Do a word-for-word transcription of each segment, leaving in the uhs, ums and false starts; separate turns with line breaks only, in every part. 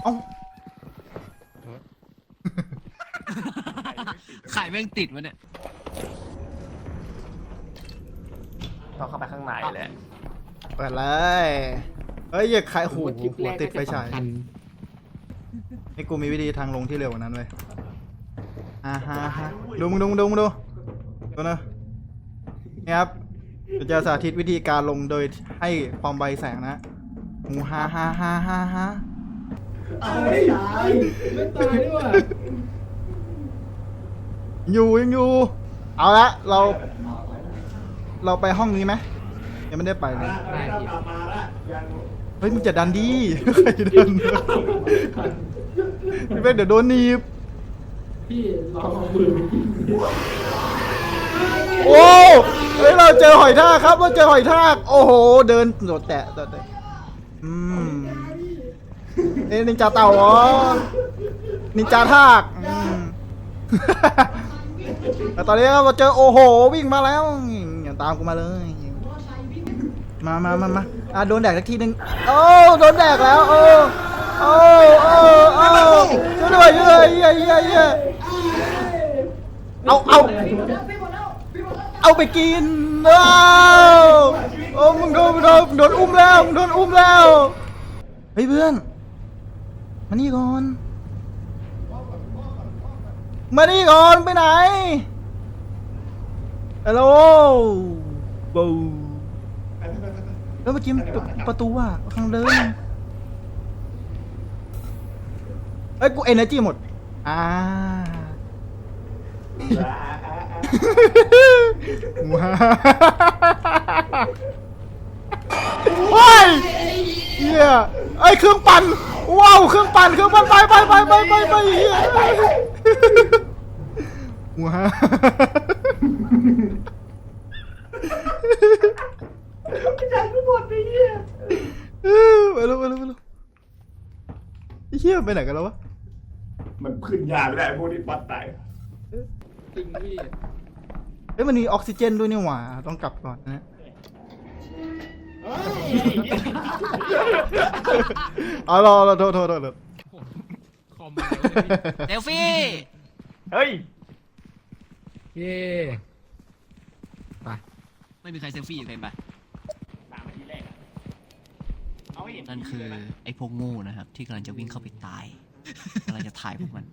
เอ้า
ไข่แม่งติดวะเนี่ย
ต้องเข้าไปข้างในแหละ
เปิดเลยเฮ้ยอย่าขายหูหัวติดไฟฉายไอ้กูมีวิธีทางลงที่เร็วกว่านั้นเว้ยอ่าฮะฮะดูมึงดูมึงดูมึงดูดูนะนี่ครับจะสาธิตวิธีการลงโดยให้ความไวแสงนะหูฮ่าฮ่าฮ่าฮ่าฮ่า
ไม่ตายไม่ตายด้วย
อยู่ยังอยู่เอาละเรา เราไปห้องนี้ไหมยังไม่ได้ไปเลย
ได้พี่
เฮ้ยมึงจะดันดีใครจะดันพี่เป๊กเดี๋ยวโดนหนีบ
พี่ลองเอามือไปกิน
โอ้เฮ้ยเราเจอหอยทากครับเราเจอหอยทากโอ้โหเดินโดดแตะโดดแตะอืมเอ้ยนินจาเต่าเหรอนินจาทากอืมแต่ตอนนี้เราเจอโอ้โหวิ่งมาแล้วอย่าตามกูมาเลยมามามามาอ่ะโดนแดกสักทีนึงโอ้โดนแดกแล้วโอ้โอ้โอ้โอ้ช่วยด้วยช่วยด้วยเฮียเฮียเฮียเอาเอาเอาไปกินว้าวโอ้มึงโดนโดนโดนอุ้มแล้วมึงโดนอุ้มแล้วเฮ้ยเพื่อนมานี่ก่อนมานี่ก่อนไปไหนฮัลโหลบูแล้วเมื่อกี้ประตูอ่ะทางเดินเอ้ยกูเอเนอร์จีหมดอ่าว้าโอ้ยเฮียไอ้เครื่องปั่นว้าวเครื่องปั่นเครื่องปั่นไปไปไปไปไปไปเฮียว้าใจกูหมดไอ้เหี้ยไปแล้วไปแล้วไปแล้วไอ้เหี้ยไปไหนกันแล้ววะ
มันขึ้นยาไม่ได้พวกนี้ปัดตาย
จริงพี่
เอ้ยมันมีออกซิเจนด้วยนี่หว่าต้องกลับก่อนนะเอารอรอโทษโทษโทษ
คอม
เซลฟี่
เฮ้ย
เย่ไป
ไม่มีใครเซลฟี่อยู่เลยไป
ตามมาทีแรกอะเอาให้เห็น
นั่นคือไอ้พวกโง่นะครับที่กำลังจะวิ่งเข้าไปตายกำลังจะถ่ายพวกมัน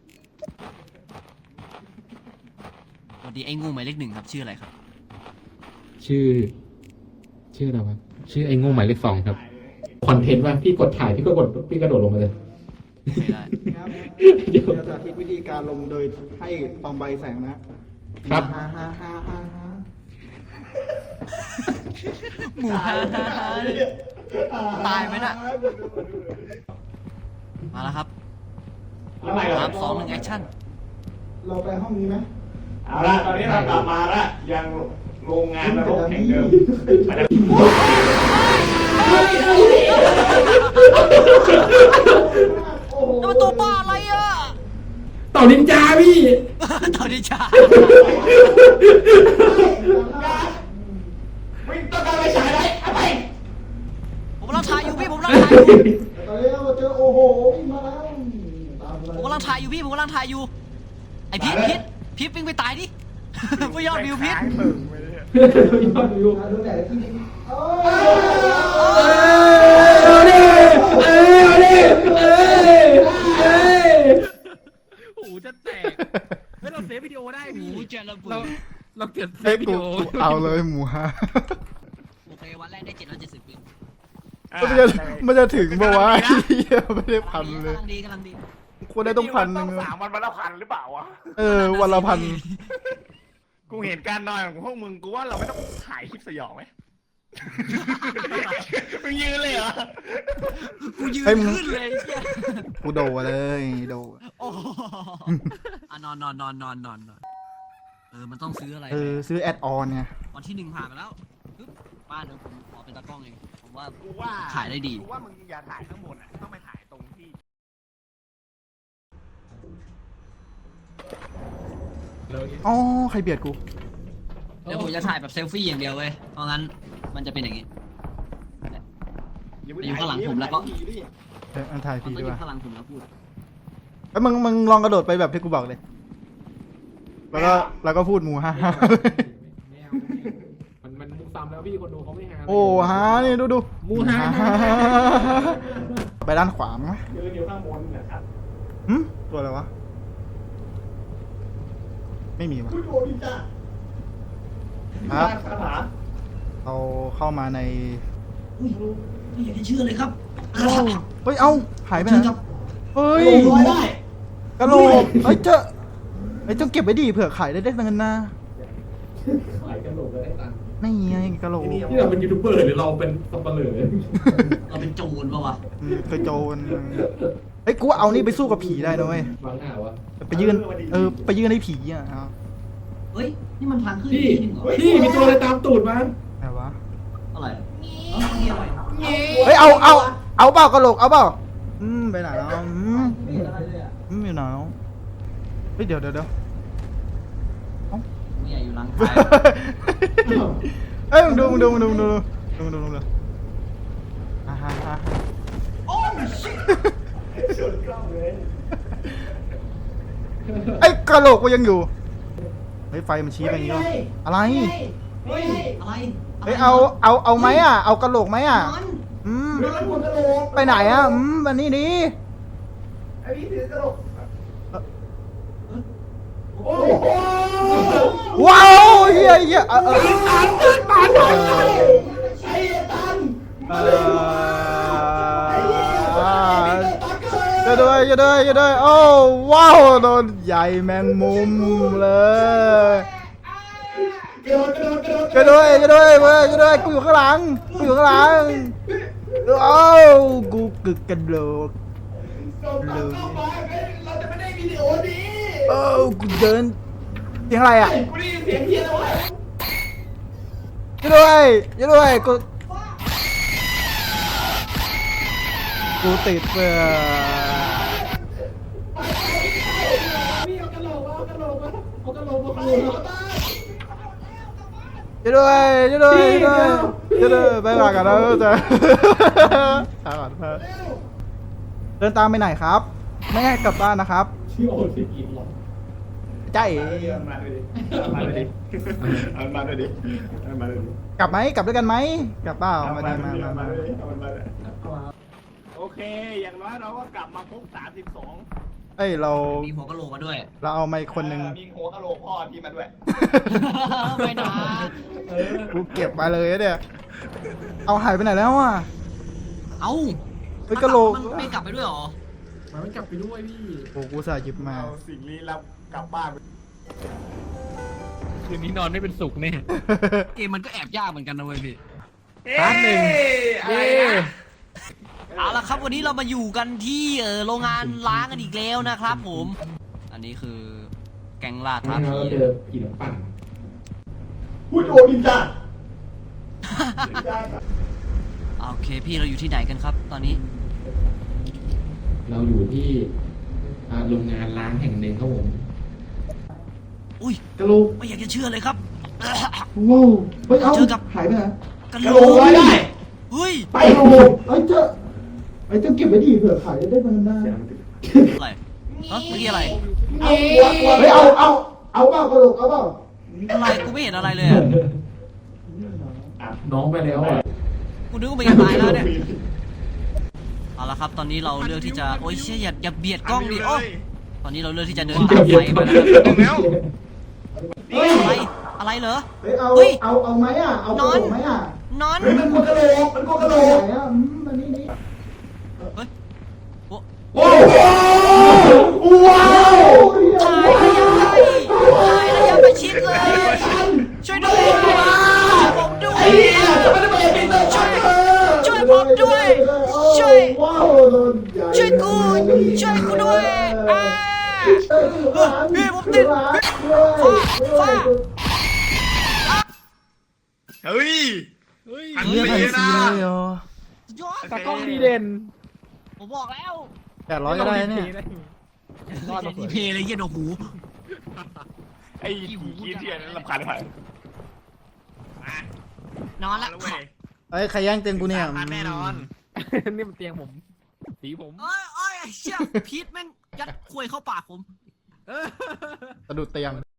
สวัสดีไอ้โง่หมายเลขหนึ่งครับชื่ออะไรครับ
ชื่อ ชื่ออะไรวะชื่อไอ้โง่หมายเลขสองครับคอนเทนต์ว่าพี่กดถ่ายพี่ก็กดพี่กระโดดลงมาเลย
ไม่ได้
เดี๋ยวจะสาธิตวิธีการลงโดยให้ความไวแสงนะครับ ฮ่าฮ่าฮ่าฮ่าฮ่า
หมูฮ่าฮ่าฮ่าตายไหมน่ะมาแล้วครับ
แล้วไง
สามสองหนึ่งแอคชั่น
เราไปห้องนี้ไหม
เอาละตอนนี้เรากลับมาละยังโรงงานนรกแห่งเดิมไปแล้ว
นี่มันตัวบ้าอะไรอ่ะ
ต่อนินจาพี่
ตอนนี้จ้า
วิ่งต้องการไปฉายไรเอาไป
ผมกำลังถ่ายอยู่พี่ผมกำลังถ่ายอยู่
ตอนนี้เราเจอโอ้โหวิ่งมาแล้วตาม
ผมกำลังถ่ายอยู่พี่ผมกำลังถ่ายอยู่ไอพิษพิษพิษวิ่งไปตายดิไม่ยอดวิวพิษ
ยอดวิว
โดนแดดที่นี่
เอาดิเอ้ยเอาดิเอ้ยเอ้ยหูจะแตกเฮ้ยเราเซฟวิดีโอได้พี่
หูจะระเบิ
เรา
ด
เราเก็บเซ
เฮ้ย
ฟวิ
กู
ดีโอ
กูเอาเลยหมูฮะ
โอเควันแรกได้เจ็ดร้อยเจ็ดสิบวิว
มันจะมันจะถึงปะวะเหี้ยไม่ได้พันเลย
กำลังดีกำลังดี
ควรได้ต้องพันหนึง
สามวันวันละพันหรือเปล่าวะ
เออวันละพัน
กูเห็นการนอนของพวกมึงกูว่าเราไม่ต้องถ่ายคลิปสยองไหมมึงยืนเลยเหรอ
กูยืน
เฮ้ยมึง
ขึ้นเลยไอ้เหี้ย
กูโดดเลยโดด
โอ้โหอ่ะนอนนอนนอนนอนนอนนอนเออมันต้องซื้ออะไร
เออซื้อแอดออนไง
วันที่หนึ่งผ่านมาแล้วปึ๊บบ้านเดี๋ยวผมขอเป็นตากล้องเองผมว่า
กูว่า
ถ่ายได้ดี
กูว่ามึงอย่าถ่ายข้างบนอ่ะต้องไปถ่ายตรงที่
อ๋อใครเบียดกู
เดี๋ยวผมจะถ่ายแบบเซลฟี่อย่างเดียวเว้ยเพราะงั้นมันจะเป็นอย่างนี้อยู่ข้างหลังผมแล้วก็
เอออันถ่าย
มัน
ผี
ก็
ดี
อก ยู่
ว่า
ข้างหลังผมแล้วพูด
ไอ้ยมึงมึงลองกระโดดไปแบบที่กูบอกเลยแล้วก็แล้วก็พูดหมูฮ่าฮ่า
ไม่เอามันมันมุกซ้ำแล้วพี่คนดูเขาไม่หา
โอ้ฮานี่ดูดู
มูฮา
ไปด้านขวามั้งไหม
เดินอยู่ข้างบนนะครับ
หึตัวอะไรวะไม่มีวะ
ผู้โดนจ้า
ครับ
คาถา
เราเข้ามาใน
อุ้ยไม่อยากจะเชื่อเลยครับ
เฮ้ย เอ้า หายไปไห
เชิญ
น
ครับ
เฮ้ย
ลอยได้
กระโหลกเฮ้ยเจ้าเฮ้ยเจ้าเก็บไว้ดิเผื่อขายได้ได้เงินนะ
ขายกันโหลกก็ได้ตังค์
นี่ไงกระโหลก
ที่เราเป็นยูทูบเบอร์หรือเราเป็นสับปะเหร่อ
เราเป็นโจรปะวะ
อืมเคยโจรเฮ้ย กูว่าเอานี่ไปสู้กับผีได้นะเว้ย
บางหน้าวะ
ไปยืน เออ ไปยืนให้ผีอ่ะเอา
เฮ้ยนี่มันทางขึ้น
พี่
ที่หนึ่งเหรอ
พี่มีตัวอะไรตามตูดมา
ไหนวะ
อะไรเอ้ามีอะไร
เฮ้ย เอา เอา เอาเปล่ากระโหลก เอาเปล่า อืม ไปไหนแล้วอืม
ไม่เห็นอะไรเลยอ่ะ
อืมอยู่ไหนแล้วเฮ้ย เดี๋ยวเดี๋ยวเดี๋ยว
ไม่อยากอยู่หลังคาย
เอ้ยมึงดูมึงดูมึงดูมึงดูมึงดูมึงดูอ่าฮะฮะ
โอ้ชิต
สุดกล้องเลย
ไอ้กระโหลกกูยังอยู่เฮ้ยไฟมันชี้ไปอย่างงี้วะอะไร
เฮ้ยอะไร
เฮ้ยเอาเอาเอาไหมอ่ะเอากระโหลกไหมอ่ะ
นอน
อืม
นอนบนกระโหลก
ไปไหนอ่ะอืมวันนี้ดิ
ไอ้พี่ถือกระโหลกโอ้โห
ว้าวเฮียเฮียเออเออ
ตันตันตันไอ้ตัน
เออจะด้วยจะด้วยจะด้วยโอ้ว้าวโดนใหญ่แมงมุมเลย
กระโดดกระโดดกระโดด
จะด้วยจะด้วยเว้ยจะด้วยกูอยู่ข้างหลังกูอยู่ข้างหลังโอ้กูกึกกระโหลก
ส่งตังเข้ามาเราจะไม่ได้วิดีโอนี้
โอ้กูเดินเสียงอะไรอ่ะ
กูได้ยินเสียงเฮียแล้ววะ
จะด้วยจะด้วยกูกูติดเพื่อ
พี่เอากระโหลกเอากระโหลกมาเอากระโหลกมาคืน
จะด้วยจะด้วยจะด้วยจะด้วยไปหลังกันแล้วจะตามก่อนเพื่อเดินตามไปไหนครับ ไม่ให้กลับบ้านนะครับ
ชื่อโอซิกินหรอ
ใจ
เอามาด้วยดิเอามาด้วยดิเอามาด้วยดิเอามาด้วยดิ
กลับไหมกลับด้วยกันไหมกลับเปล่า
เอา
มา
มา
ดี
ด้วย
มา
ดิ
มา
เอา
มา
มาด้วยดิเอามาด้วยโอเค อย่างน้อยเราก็กลับมาครบสามสิบสอง
เอ้ยเรา
มีหัวกะโหลกมาด้วย
เราเอาไมค์คนหนึ่ง
มีหัวกะโหลกพ่อที่มาด้วย
ไม่นะ
กูเก็บมาเลยเนี่ยเอาหายไปไหนแล้วอ่ะ
เอ้า
เฮ้ยกะโหลก
มันไม่กลับไปด้วยเหรอ
มันไม่กลับไปด้วยพี่
โอ้กูสายหยิบมา
เอาสิ่งลี้ลับกลับบ้าน
คืนนี้นอนไม่เป็นสุขแน่
เกมมันก็แอบยากเหมือนกันนะเว้ยพี่
พาร์ทหนึ่ง
เย้
เอาละครับวันนี้เรามาอยู่กันที่เออโรงงานล้างกันอีกแล้วนะครับผม อันนี้คือแกงล่าท้าผี
เราเจอผีน้ำปั่น
พูดโอดินจ้า
โอเคพี่เราอยู่ที่ไหนกันครับ ตอนนี้
เราอยู่ที่อ่าโรงงานล้างแห่งหนึ่งครับผม
อุ้ย
กระโหลก
ไม่อยากจะเชื่อเลยครับ
ว้าวเฮ้ยเอา
เจอกับ
หายไปไหน
กระ
ก
โห
ระ
ล
โหลกไว้ได้
เฮ้ย
ไป
กระโหลกไอ้เจ้าไอ้เจ้าเก็บไว้ดีเผื่อขายได้ได้เงินได้
อะไรฮะเมื่อกี้อะไร
เอาหัวหัว
เฮ้ยเอาเอาเอาเปล่ากระโหลกเอาเปล่า
อะไรกูไม่เห็นอะไรเลยอะ
น้องไปแล้วอ่ะ
กูนึกว่ามันจะตายแล้วเนี่ยเอาละครับตอนนี้เราเลือกที่จะโอ้ยเชี่ยอย่าอย่าเบียดกล้องดิโอ้ตอนนี้เราเลือกที่จะเดินตามไฟมาแล้วครับเฮ้ยอะไรอะไรเหรอ
เฮ้ยเอา
เฮ้ย
เอาเอาไหมอ่ะเอากระโหลกไหมอ่ะ
นอน
เฮ้ยมันหัวกะโหลกมันหัวกะโหลก
ไหนอ่ะอืมมานี่นี่
เฮ้ยโอ้
โอ้โหว้าว
ถ่ายระยะไกลถ่ายระยะประชิดเลย ช่วยด้วยช่วยผมด้วย
ไอ้เหี้ยจะไม่ได้มาเอ็นพีเตอร์ช่วย
ช่วยผมด้วย ช่วย
ว้าวโดนใหญ่
ช่วยกู ช่วยกูด้วยอ่าพี่ผมติดฟ้า
เฮ้ย
เฮ้ย
อัน
เลือกไอซีเลยเหรอ
สุดยอด
ตากล้องดีเด่น
ผมบอกแล้ว
แปดร้อยก็ได้เนี่ย
รอดมา
ดีเพย์เลยเหี้ย็นโอ้โห
ไอ้หูกี้เทียนนั้นรำคาญไป
นอนละ
แล้วเว้ย
เอ้ยใครแย่งเตียงกูเนี่ย
สามพันแน่นอน
ไอ
นี่มันเตียงผมสีผม
เอ้ยเอ้ยไอ้เชี่ยพีทแม่งยัดควยเข้าปากผม
เออ
สะดุดเตียง